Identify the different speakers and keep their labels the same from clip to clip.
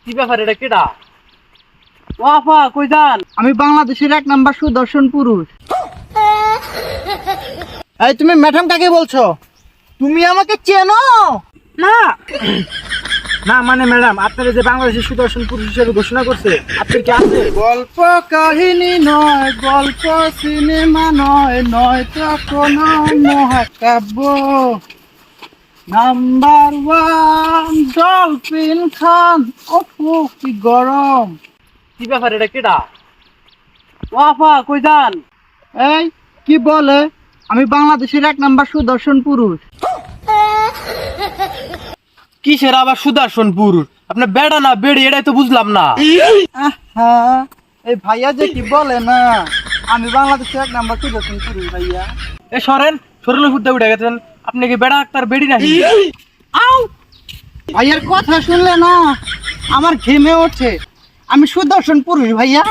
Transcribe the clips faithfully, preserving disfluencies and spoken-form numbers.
Speaker 1: কি ব্যাপার, এটা কেডা?
Speaker 2: ও আপা কই যান? আমি বাংলাদেশের এক নাম্বার সুদর্শন পুরুষ। এই তুমি ম্যাডাম কাকে বলছো? তুমি আমাকে চেনো না?
Speaker 1: না মানে ম্যাডাম, আপনারা যে বাংলাদেশের সুদর্শন পুরুষ হিসেবে ঘোষণা করছে, আপনার কি আছে?
Speaker 2: গল্প কাহিনী নয়, গল্প সিনেমা নয়, নয় তো কোনো মহাকাব্য। Number one Dolphin Khan. ওহো কি গরম।
Speaker 1: কি ব্যাপার, এটা কেডা?
Speaker 2: ও আপা কই যান? এই কি বলে? আমি বাংলাদেশের এক নাম্বার সুদর্শন পুরুষ।
Speaker 1: কিসের আবার সুদর্শন পুরুষ? আপনার বেড়া না বেড়ি, এটাই তো বুঝলাম না।
Speaker 2: আহা, এই ভাইয়া যে কি বলে না, আমি বাংলাদেশের এক নাম্বার সুদর্শন পুরুষ ভাইয়া।
Speaker 1: এ সরেন, সরলে ফুটতে উঠে গেছেন। আপনি কি বেড়া আক্তার বেড়ি নাকি?
Speaker 2: আউ ভাইয়ার কথা শুনলে না আমার ঘেমে ওঠে। আমি সুদর্শন পুরুষ ভাইয়া।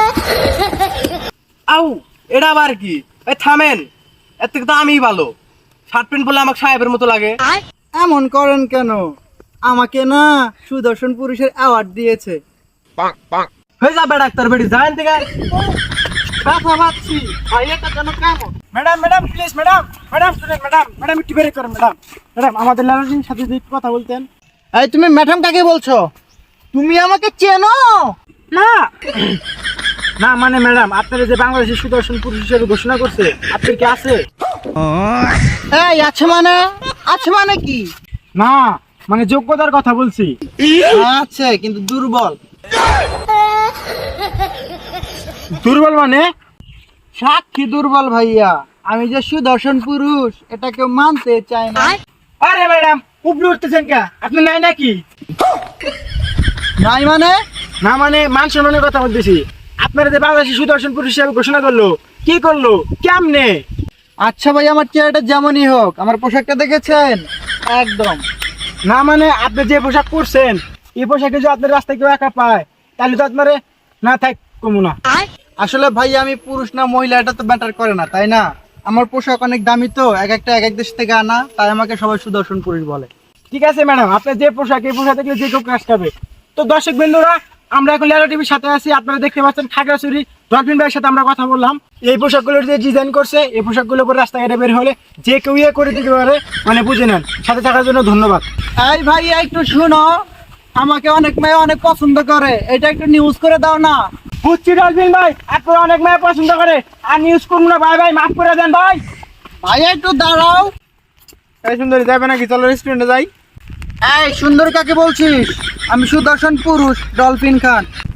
Speaker 1: আউ, এটা আবার কি? এই থামেন, এর থেকে তো আমিই ভালো। শার্ট প্যান্ট বলে আমাকে সাহেবের মতো লাগে।
Speaker 2: এমন করেন কেন? আমাকে না সুদর্শন পুরুষের অ্যাওয়ার্ড দিয়েছে।
Speaker 1: হয়ে যা বেড়া আক্তার বেড়ি, যান থেকে।
Speaker 2: কথা ভাবছি ভাইয়াটা যেন কেমন।
Speaker 1: Madam madam please, madam madam madam madam একটু বেরিয়ে করেন ম্যাডাম। ম্যাডাম আমাদের লালজির সাথে যদি একটু কথা বলতেন।
Speaker 2: এই তুমি ম্যাডাম কাকে বলছো? তুমি আমাকে চেনো না?
Speaker 1: না মানে ম্যাডাম, আপনারা যে বাংলাদেশের সুদর্শন পুরুষ হিসেবে ঘোষণা করছে, আপনার কি আছে?
Speaker 2: এই আছে মানে? আছে মানে কি?
Speaker 1: না মানে যোগ্যতার কথা বলছি।
Speaker 2: আছে কিন্তু দুর্বল।
Speaker 1: দুর্বল মানে?
Speaker 2: সাক্ষী দুর্বল ভাইয়া। আমি যে সুদর্শন পুরুষ এটা কেউ মানতে চায় না।
Speaker 1: আরে ম্যাডাম উপরে উঠতেছেন কে? আপনি নাই নাকি?
Speaker 2: নাই মানে?
Speaker 1: না মানে মান সম্মানের কথা বলতেছি। আপনারা যে বাংলাদেশের সুদর্শন পুরুষ হিসেবে ঘোষণা করলো, কি করলো, কেমনে?
Speaker 2: আচ্ছা ভাই, আমার চেহারাটা যেমনই হোক, আমার পোশাকটা দেখেছেন? একদম।
Speaker 1: না মানে আপনি যে পোশাক পরছেন, এই পোশাকে যদি আপনার রাস্তায় কেউ একা পায়, তাহলে তো আপনার না থাক কমু না।
Speaker 2: আসলে ভাই আমি পুরুষ না মহিলা এটা তো ম্যাটার করে না, তাই না? আমার পোশাক অনেক দামি তো, এক একটা এক এক দেশ থেকে আনা, তাই আমাকে সবাই সুদর্শন পুরুষ বলে।
Speaker 1: ঠিক আছে ম্যাডাম, আপনার যে পোশাক, এই পোশাক দেখলে যে কেউ কাজ খাবে। তো দর্শক বন্ধুরা, আমরা এখন লেলা টিভির সাথে আছি। আপনারা দেখতে পাচ্ছেন খাগড়াছড়ি ডলফিন ভাইয়ের সাথে আমরা কথা বললাম। এই পোশাকগুলোর যে ডিজাইন করছে, এই পোশাকগুলো পরে রাস্তাঘাটে বের হলে যে কেউ ইয়ে করে দিতে পারে, মানে বুঝে নেন। সাথে থাকার জন্য ধন্যবাদ।
Speaker 2: এই ভাই একটু শুনো, আমাকে অনেক মেয়ে অনেক পছন্দ করে, এটা একটু নিউজ করে দাও না।
Speaker 1: বুঝছি ডলফিন ভাই, আপনারা অনেক মেয়ে পছন্দ করে, আর নিউজ করুন না ভাই। ভাই মাফ করে দেন ভাই।
Speaker 2: ভাই একটু দাঁড়াও।
Speaker 1: এই সুন্দরী যাবে নাকি? চলো রেস্টুরেন্টে যাই।
Speaker 2: এই সুন্দর কাকে বলছিস? আমি সুদর্শন পুরুষ ডলফিন খান।